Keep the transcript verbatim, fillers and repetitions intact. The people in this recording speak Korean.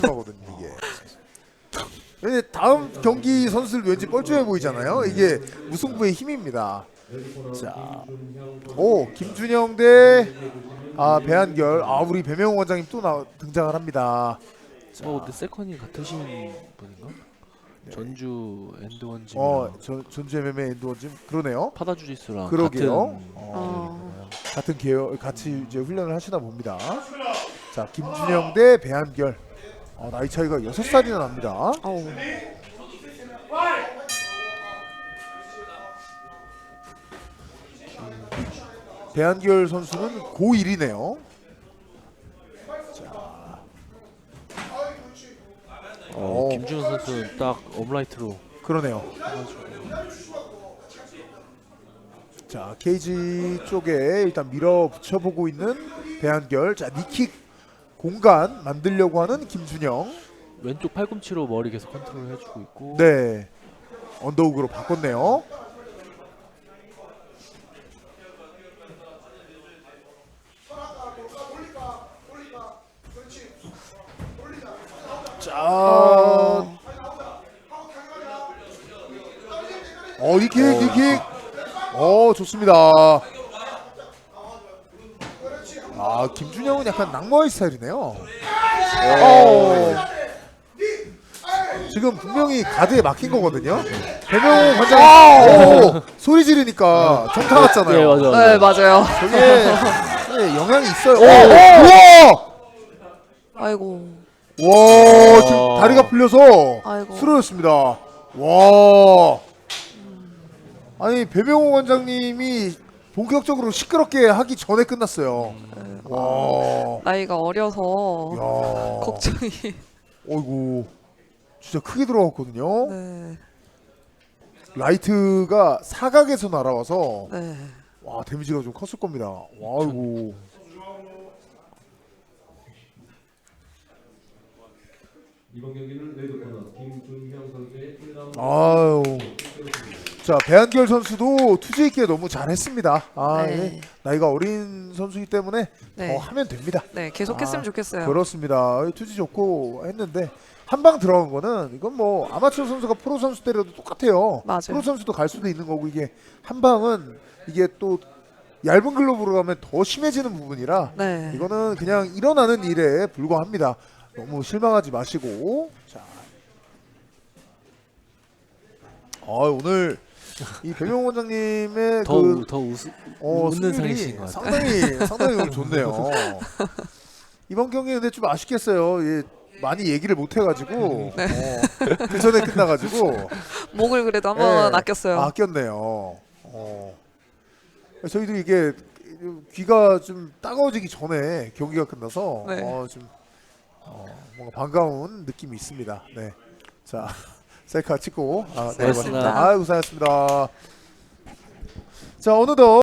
하거든요 이게. 근데 다음 경기 선수들 왠지 뻘쭘해 보이잖아요. 이게 무승부의 힘입니다. 자, 오 김준영 대 아 배한결. 아 우리 배명호 원장님 또 나, 등장을 합니다. 자, 어 근데 세컨이 같으신 분인가? 네. 전주 엔드원 짐이랑 어 전, 전주 엠엠에이 엔드원 짐 그러네요. 파다 주짓수랑 그러게요. 같은 어. 같은 계열 같이 이제 훈련을 하시나 봅니다. 자 김준영 대 배한결. 어, 나이 차이가 여섯 살이나 납니다. 어우. 배한결 선수는 고일이네요. 어, 오. 김준호 선수는 딱 업라이트로 그러네요. 자 케이지 쪽에 일단 밀어붙여 보고 있는 배한결. 자 니킥 공간 만들려고 하는 김준영. 왼쪽 팔꿈치로 머리 계속 컨트롤 해주고 있고 네 언더훅으로 바꿨네요. 자, 어 니킥 니킥, 어 좋습니다. 아 김준영은 약간 낙마의 스타일이네요. 어. 지금 분명히 가드에 막힌 거거든요. 배명호 관장 소리 지르니까 정타 났잖아요. 네 맞아 네 맞아요. 저게 네, 영향이 있어요. 오, 우와! 아이고. 와, 지금 다리가 풀려서 아이고. 쓰러졌습니다. 와. 아니 배명호 원장님이 본격적으로 시끄럽게 하기 전에 끝났어요. 네, 와. 나이가 어려서 야. 걱정이. 어이구. 진짜 크게 들어갔거든요. 네. 라이트가 사각에서 날아와서 네. 와 데미지가 좀 컸을 겁니다. 와, 아이고. 이번 경기는 레드코너 김준형 선수의 일 라운드 아유. 자 배한결 선수도 투지 있게 너무 잘했습니다. 아 네. 예. 나이가 어린 선수이기 때문에 네. 더 하면 됩니다. 네 계속했으면 아, 좋겠어요. 그렇습니다. 투지 좋고 했는데 한 방 들어간 거는 이건 뭐 아마추어 선수가 프로 선수 때려도 똑같아요. 맞아요. 프로 선수도 갈 수도 있는 거고 이게 한 방은 이게 또 얇은 글러브로 가면 더 심해지는 부분이라 네. 이거는 그냥 일어나는 일에 불과합니다. 너무 실망하지 마시고. 자, 아 오늘 이 배명호 원장님의 더, 그 더 웃, 어, 웃는 승률이 상이신 것 같아요. 상당히 상당히 오늘 좋네요. 이번 경기 근데 좀 아쉽겠어요. 예, 많이 얘기를 못 해가지고 네. 어, 그 전에 끝나가지고 목을 그래도 한번 예, 아꼈어요. 아꼈네요. 어. 저희도 이게 귀가 좀 따가워지기 전에 경기가 끝나서 네. 어, 좀 어, 뭔가 반가운 느낌이 있습니다. 네, 자 셀카 찍고 아, 네, 고맙습니다. 맞습니다. 아, 고생하셨습니다. 자 어느덧